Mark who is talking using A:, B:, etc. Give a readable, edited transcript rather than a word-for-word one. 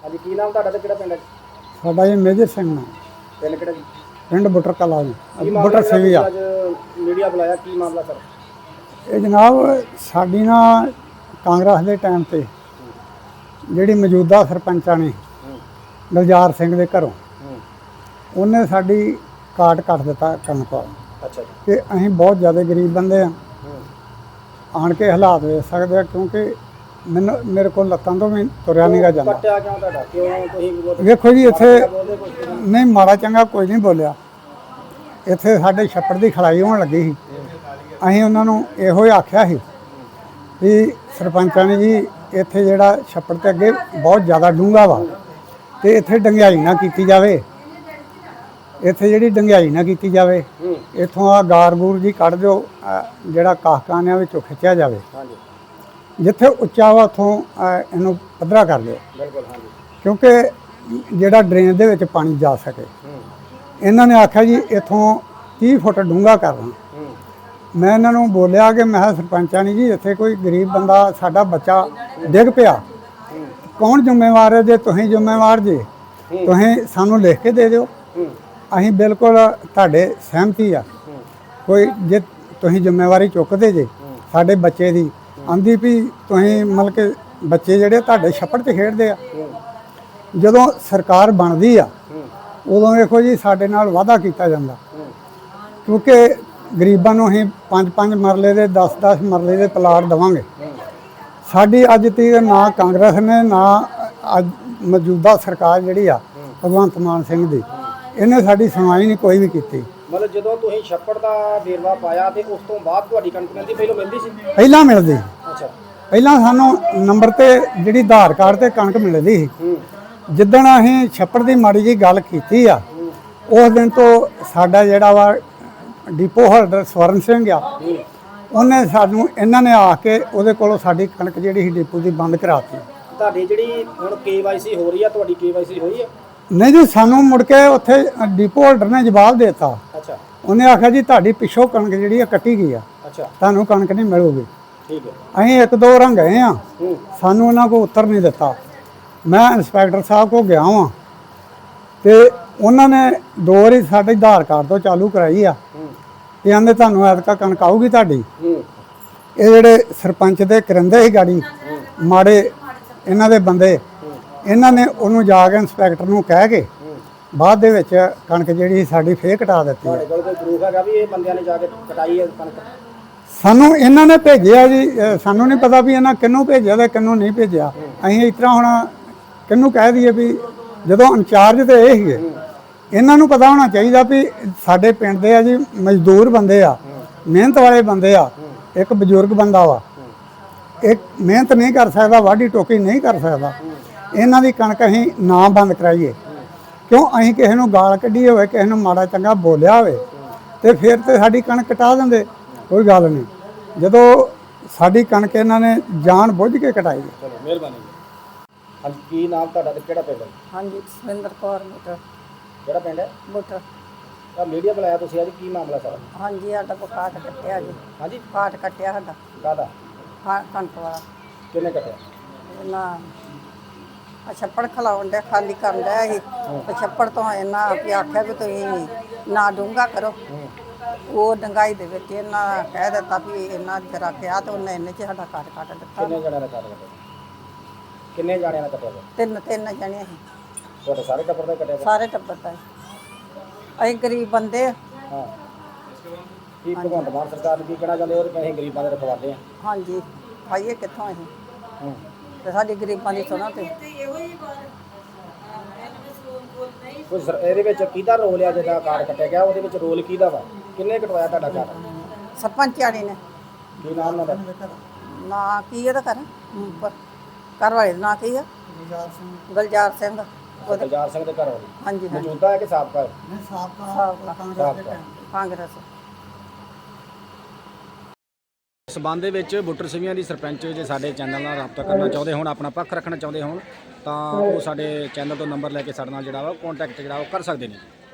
A: ਹਾਂਜੀ ਕੀ ਨਾਮ ਤੁਹਾਡਾ ਤੇ ਕਿਹੜਾ ਪਿੰਡ ਹੈ?
B: ਸਾਡਾ ਜੀ ਮੇਜਰ ਸਿੰਘ ਨਾਮ,
A: ਪਿੰਡ ਕਿਹੜਾ ਜੀ?
B: ਪਿੰਡ ਬੁੱਟਰ ਕਲਾਂ ਜੀ,
A: ਕੀ
B: ਬੁੱਟਰ
A: ਮਾਮਲਾ
B: ਸੇਵੀਆ।
A: ਅੱਜ ਮੀਡੀਆ ਬੁਲਾਇਆ, ਕੀ ਮਾਮਲਾ ਸਰ?
B: ਇਹ ਜਨਾਬ ਸਾਡੀ ਨਾ ਕਾਂਗਰਸ ਦੇ ਟਾਈਮ ਤੇ ਜਿਹੜੀ ਮੌਜੂਦਾ ਸਰਪੰਚਾਂ ਨੇ ਗੁਲਜ਼ਾਰ ਸਿੰਘ ਦੇ ਘਰੋਂ ਉਹਨੇ ਸਾਡੀ ਕਾਟ ਕੱਟ ਦਿੱਤਾ ਕਣਕ ਵਾਲਾ।
A: ਅੱਛਾ ਜੀ।
B: ਕਿ ਅਸੀਂ ਬਹੁਤ ਜ਼ਿਆਦਾ ਗਰੀਬ ਬੰਦੇ ਆ, ਆਣ ਕੇ ਹਾਲਾਤ ਵੇਖ ਸਕਦੇ ਆ, ਕਿਉਂਕਿ ਮੇਰੇ ਕੋਲ ਲੱਤਾਂ ਤੋਂ ਵੀ ਤੁਰਿਆ ਨਹੀਂ ਗਾ ਜਾਂਦਾ।
A: ਕੱਟਿਆ ਕਿਉਂ ਤੁਹਾਡਾ? ਕਿਉਂ ਤੁਸੀਂ
B: ਵੇਖੋ ਜੀ ਇੱਥੇ
A: ਬੋਲਦੇ ਕੁਛ ਨਹੀਂ?
B: ਨਹੀਂ ਮਾੜਾ ਚੰਗਾ ਕੋਈ ਨਹੀਂ ਬੋਲਿਆ। ਇੱਥੇ ਸਾਡੇ ਛੱਪੜ ਦੀ ਖਲਾਈ ਹੋਣ ਲੱਗੀ ਸੀ, ਅਸੀਂ ਉਹਨਾਂ ਨੂੰ ਇਹੋ ਹੀ ਆਖਿਆ ਸੀ ਵੀ ਸਰਪੰਚਾਂ ਨੇ ਜੀ ਇੱਥੇ ਜਿਹੜਾ ਛੱਪੜ ਤੇ ਅੱਗੇ ਬਹੁਤ ਜ਼ਿਆਦਾ ਡੂੰਘਾ ਵਾ ਤੇ ਇੱਥੇ ਡੰਗਿਆਈ ਨਾ ਕੀਤੀ ਜਾਵੇ, ਇੱਥੇ ਜਿਹੜੀ ਡੰਗਿਆਈ ਨਾ ਕੀਤੀ ਜਾਵੇ, ਇੱਥੋਂ ਆ ਗਾਰ-ਗੂਰ ਜੀ ਕੱਢ ਦਿਓ, ਜਿਹੜਾ ਕਾਹਕਾਨਿਆਂ ਵਿੱਚੋਂ ਖਿੱਚਿਆ ਜਾਵੇ, ਜਿੱਥੇ ਉੱਚਾ ਵਾ ਉੱਥੋਂ ਇਹਨੂੰ ਪੱਧਰਾ ਕਰ ਦਿਓ,
A: ਬਿਲਕੁਲ ਹਾਂਜੀ,
B: ਕਿਉਂਕਿ ਜਿਹੜਾ ਡਰੇਨ ਦੇ ਵਿੱਚ ਪਾਣੀ ਜਾ ਸਕੇ। ਇਹਨਾਂ ਨੇ ਆਖਿਆ ਜੀ ਇੱਥੋਂ 30 ਫੁੱਟ ਡੂੰਘਾ ਕਰਨਾ। ਮੈਂ ਇਹਨਾਂ ਨੂੰ ਬੋਲਿਆ ਕਿ ਮੈਂ ਸਰਪੰਚਾਂ ਨਹੀਂ ਜੀ, ਇੱਥੇ ਕੋਈ ਗਰੀਬ ਬੰਦਾ ਸਾਡਾ ਬੱਚਾ ਡਿੱਗ ਪਿਆ, ਕੌਣ ਜ਼ਿੰਮੇਵਾਰ ਹੈ? ਜੇ ਤੁਸੀਂ ਜ਼ਿੰਮੇਵਾਰ ਜੇ ਤੁਸੀਂ ਸਾਨੂੰ ਲਿਖ ਕੇ ਦੇ ਦਿਓ, ਅਸੀਂ ਬਿਲਕੁਲ ਤੁਹਾਡੇ ਸਹਿਮਤੀ ਆ। ਕੋਈ ਜੇ ਤੁਸੀਂ ਜ਼ਿੰਮੇਵਾਰੀ ਚੁੱਕਦੇ ਜੇ ਸਾਡੇ ਬੱਚੇ ਦੀ, ਆਂਦੀ ਵੀ ਤੁਸੀਂ ਮਤਲਬ ਕਿ ਬੱਚੇ ਜਿਹੜੇ ਤੁਹਾਡੇ ਛੱਪੜ 'ਚ ਖੇਡਦੇ ਆ, ਜਦੋਂ ਸਰਕਾਰ ਬਣਦੀ ਆ ਉਦੋਂ ਵੇਖੋ ਜੀ ਸਾਡੇ ਨਾਲ ਵਾਅਦਾ ਕੀਤਾ ਜਾਂਦਾ, ਕਿਉਂਕਿ ਗਰੀਬਾਂ ਨੂੰ ਅਸੀਂ 5-5 ਮਰਲੇ ਦੇ 10-10 ਮਰਲੇ ਦੇ ਪਲਾਟ ਦੇਵਾਂਗੇ। ਸਾਡੀ ਅੱਜ ਤੱਕ ਨਾ ਕਾਂਗਰਸ ਨੇ ਨਾ ਅੱਜ ਮੌਜੂਦਾ ਸਰਕਾਰ ਜਿਹੜੀ ਆ ਭਗਵੰਤ ਮਾਨ ਸਿੰਘ ਦੀ, ਇਹਨੇ ਸਾਡੀ ਸੁਣਵਾਈ ਨਹੀਂ ਕੋਈ ਵੀ ਕੀਤੀ।
A: ਮਤਲਬ ਜਦੋਂ ਤੁਸੀਂ ਛੱਪੜ ਦਾ ਵੇਰਵਾ ਪਾਇਆ ਤੇ ਉਸ ਤੋਂ ਬਾਅਦ ਤੁਹਾਡੀ ਕਣਕ ਮਿਲਦੀ, ਪਹਿਲਾਂ ਮਿਲਦੀ ਸੀ?
B: ਪਹਿਲਾਂ ਮਿਲਦੀ,
A: ਅੱਛਾ,
B: ਪਹਿਲਾਂ ਸਾਨੂੰ ਨੰਬਰ ਤੇ ਜਿਹੜੀ ਆਧਾਰ ਕਾਰਡ ਤੇ ਕਣਕ ਮਿਲਦੀ ਸੀ। ਜਿੱਦਣ ਅਸੀਂ ਛੱਪੜ ਦੀ ਮਾੜੀ ਜੀ ਗੱਲ ਕੀਤੀ ਆ, ਉਸ ਦਿਨ ਤੋਂ ਸਾਡਾ ਜਿਹੜਾ ਵਾ ਡਿਪੋ ਹੋਲਡਰ ਸਵਰਨ ਸਿੰਘ ਆ, ਉਹਨੇ ਸਾਨੂੰ ਇਹਨਾਂ ਨੇ ਆ ਕੇ ਉਹਦੇ ਕੋਲੋਂ ਸਾਡੀ ਕਣਕ ਜਿਹੜੀ ਸੀ ਡਿਪੋ ਦੀ ਬੰਦ ਕਰਾਤੀ।
A: ਤੁਹਾਡੀ ਜਿਹੜੀ ਹੁਣ KYC ਹੋ ਰਹੀ ਆ, ਤੁਹਾਡੀ KYC ਹੋਈ ਹੈ?
B: ਨਹੀਂ ਜੀ, ਸਾਨੂੰ ਮੁੜ ਕੇ ਉੱਥੇ ਡਿਪੋ ਹੋਲਡਰ ਨੇ ਜਵਾਬ ਦੇ ਦਿੱਤਾ।
A: ਅੱਛਾ,
B: ਉਹਨੇ ਆਖਿਆ ਜੀ ਤੁਹਾਡੀ ਪਿੱਛੋਂ ਕਣਕ ਜਿਹੜੀ ਆ ਕੱਟੀ ਗਈ ਆ,
A: ਅੱਛਾ,
B: ਤੁਹਾਨੂੰ ਕਣਕ ਨਹੀਂ ਮਿਲੂਗੀ।
A: ਠੀਕ ਹੈ।
B: ਅਸੀਂ 1-2 ਰਾਂ ਗਏ ਆ, ਸਾਨੂੰ ਉਹਨਾਂ ਕੋਲ ਉੱਤਰ ਨਹੀਂ ਦਿੱਤਾ। ਮੈਂ ਇੰਸਪੈਕਟਰ ਸਾਹਿਬ ਕੋਲ ਗਿਆ ਵਾਂ ਤੇ ਉਹਨਾਂ ਨੇ 2 ਵਾਰੀ ਸਾਡੇ ਆਧਾਰ ਕਾਰਡ ਤੋਂ ਚਾਲੂ ਕਰਾਈ ਆ ਤੇ ਆਂਦੇ ਤੁਹਾਨੂੰ ਐਤਕਾ ਕਣਕ ਆਊਗੀ ਤੁਹਾਡੀ। ਇਹ ਜਿਹੜੇ ਸਰਪੰਚ ਦੇ ਕਰਿੰਦੇ ਸੀ ਗਾੜੀ ਮਾੜੇ ਇਹਨਾਂ ਦੇ ਬੰਦੇ, ਇਹਨਾਂ ਨੇ ਉਹਨੂੰ ਜਾ ਕੇ ਇੰਸਪੈਕਟਰ ਨੂੰ ਕਹਿ ਕੇ ਬਾਅਦ ਦੇ ਵਿੱਚ ਕਣਕ ਜਿਹੜੀ ਸਾਡੀ ਫੇਰ ਕਟਾ ਦਿੱਤੀ।
A: ਤੁਹਾਡੇ ਕੋਲ ਕੋਈ ਪ੍ਰੂਫ ਹੈਗਾ ਵੀ ਇਹ ਬੰਦਿਆਂ ਨੇ ਜਾ ਕੇ ਕਟਾਈ ਹੈ ਕਣਕ?
B: ਸਾਨੂੰ ਇਹਨਾਂ ਨੇ ਭੇਜਿਆ ਜੀ, ਸਾਨੂੰ ਨਹੀਂ ਪਤਾ ਵੀ ਇਹਨਾਂ ਕਿਹਨੂੰ ਭੇਜਿਆ ਤੇ ਕਿਹਨੂੰ ਨਹੀਂ ਭੇਜਿਆ। ਅਸੀਂ ਇਸ ਤਰ੍ਹਾਂ ਹੁਣ ਕਿਹਨੂੰ ਕਹਿ ਦਈਏ ਵੀ ਜਦੋਂ ਇੰਚਾਰਜ ਤੇ ਇਹ ਸੀਗੇ, ਇਹਨਾਂ ਨੂੰ ਪਤਾ ਹੋਣਾ ਚਾਹੀਦਾ ਵੀ ਸਾਡੇ ਪਿੰਡ ਦੇ ਆ ਜੀ ਮਜ਼ਦੂਰ ਬੰਦੇ ਆ, ਮਿਹਨਤ ਵਾਲੇ ਬੰਦੇ ਆ। ਇੱਕ ਬਜ਼ੁਰਗ ਬੰਦਾ ਵਾ, ਇੱਕ ਮਿਹਨਤ ਨਹੀਂ ਕਰ ਸਕਦਾ, ਵਾਢੀ ਟੋਕੀ ਨਹੀਂ ਕਰ ਸਕਦਾ। ਇਹਨਾਂ ਦੀ ਕਣਕ ਅਸੀਂ ਨਾ ਬੰਦ ਕਰਾਈਏ, ਕਿਉਂ? ਅਸੀਂ ਕਿਸੇ ਨੂੰ ਗਾਲ ਕੱਢੀ ਹੋਵੇ, ਕਿਸੇ ਨੂੰ ਮਾੜਾ ਚੰਗਾ ਬੋਲਿਆ ਹੋਵੇ ਤੇ ਫਿਰ ਤੇ ਸਾਡੀ ਕਣਕ ਕਟਾ ਦਿੰਦੇ, ਕੋਈ ਗੱਲ ਨਹੀਂ। ਜਦੋਂ ਸਾਡੀ ਕਣਕ ਇਹਨਾਂ ਨੇ ਜਾਣ ਬੁੱਝ ਕੇ ਕਟਾਈ।
A: ਚਲੋ ਮਿਹਰਬਾਨੀ ਜੀ। ਹਾਂਜੀ ਕੀ ਨਾਮ ਤੁਹਾਡਾ ਤੇ ਕਿਹੜਾ ਪਿੰਡ ਹੈ?
C: ਹਾਂਜੀ, ਸੁਰਿੰਦਰ ਕੌਰ ਬੁੱਟਰ।
A: ਕਿਹੜਾ ਪਿੰਡ ਹੈ?
C: ਬੁੱਟਰ।
A: ਤਾਂ ਮੀਡੀਆ ਬੁਲਾਇਆ ਤੁਸੀਂ ਅੱਜ, ਕੀ ਮਾਮਲਾ ਸਾਰਾ?
C: ਹਾਂਜੀ, ਸਾਡਾ ਕਾਟ ਕੱਟਿਆ ਜੀ।
A: ਹਾਂਜੀ,
C: ਕਾਟ ਕੱਟਿਆ ਸਾਡਾ,
A: ਕਾਹਦਾ?
C: ਕਣਕ ਵਾਲਾ।
A: ਕਿੰਨੇ ਕੱਟਿਆ?
C: ਇਹਨਾਂ ਛੱਪੜ ਖਲਾਉਣ ਡਿਆ, ਖਾਲੀ ਕਰਨ ਡਿਆ ਸੀ। ਛੱਪੜ ਤੋਂ ਇਹਨਾਂ ਵੀ ਆਖਿਆ ਵੀ ਤੁਸੀਂ ਨਾ ਡੂੰਘਾ ਕਰੋ। ਉਹ ਡੰਗਾਈ ਦੇ ਵਿੱਚ ਇਹਨਾਂ ਕਹਿ ਦਿੱਤਾ ਵੀ ਇਹਨਾਂ ਜਰਾ ਕਿਹਾ ਤੇ ਉਹਨੇ ਇੰਨੇ 'ਚ ਸਾਡਾ ਕਾਟ ਕੱਟ ਦਿੱਤਾ।
A: ਕਿੰਨੇ ਜਣਿਆਂ ਦਾ ਕੱਟ ਕੱਟਿਆ? ਕਿੰਨੇ ਜਾਣਿਆਂ ਦਾ ਕੱਟਿਆ?
C: ਤਿੰਨ ਜਣੇ ਸੀ,
A: ਤੁਹਾਡੇ ਸਾਰੇ ਟੱਬਰ ਦਾ ਕੱਟਿਆ?
C: ਸਾਰੇ ਟੱਬਰ ਦਾ। ਅਸੀਂ ਗਰੀਬ ਬੰਦੇ ਆ।
A: ਹਾਂ, ਕੀ ਭਗਵੰਤ ਮਾਨ ਸਰਕਾਰ ਨੂੰ ਕੀ ਕਹਿਣਾ ਚਾਹੁੰਦੇ ਹੋ ਕਿ ਅਸੀਂ ਗਰੀਬਾਂ ਦੇ ਰਖਵਾਲੇ ਆ?
C: ਹਾਂਜੀ, ਖਾਈਏ ਕਿੱਥੋਂ ਅਸੀਂ? ਤੇ ਸਾਡੀ ਗਰੀਬਾਂ ਦੀ ਸੁਣੋ ਤੇ
A: ਕੋਈ ਇਹਦੇ ਵਿੱਚ ਕਿਹਦਾ ਰੋਲ ਆ? ਜਿਹਦਾ ਕਾਰਡ ਕੱਟਿਆ ਗਿਆ ਉਹਦੇ ਵਿੱਚ ਰੋਲ ਕਿਹਦਾ ਵਾ? ਕਿੰਨੇ ਕਟਵਾਇਆ ਤੁਹਾਡਾ ਕਾਰਡ?
C: ਸਰਪੰਚ ਆਣੀ ਨੇ।
A: ਕੀ ਨਾਮ ਉਹਦਾ?
C: ਨਾ ਕੀ ਇਹਦਾ ਘਰ ਵਾਲੇ ਦਾ ਨਾਂ ਕੀ ਆ? ਗੁਲਜ਼ਾਰ ਸਿੰਘ।
A: ਗੁਲਜ਼ਾਰ ਸਿੰਘ ਦੇ ਘਰ ਵਾਲੀ?
C: ਹਾਂਜੀ,
A: ਮੌਜੂਦਾ ਹੈ ਕਿ ਸਾਬਕਾ ਹੈ?
C: ਸਾਬਕਾ ਕਾਂਗਰਸ।
A: ਇਸ ਸੰਬੰਧ ਦੇ ਵਿੱਚ ਬੁੱਟਰ ਸਿੰਘਾਂ ਦੀ ਸਰਪੰਚ ਜੇ ਸਾਡੇ ਚੈਨਲ ਨਾਲ ਰਾਬਤਾ ਕਰਨਾ ਚਾਹੁੰਦੇ ਹੋਣ, ਆਪਣਾ ਪੱਖ ਰੱਖਣਾ ਚਾਹੁੰਦੇ ਹੋਣ ਤਾਂ ਉਹ ਸਾਡੇ ਚੈਨਲ ਤੋਂ ਨੰਬਰ ਲੈ ਕੇ ਸਾਡੇ ਨਾਲ ਜਿਹੜਾ ਵਾ ਕੰਟੈਕਟ ਜਿਹੜਾ ਉਹ ਕਰ ਸਕਦੇ ਨੇ।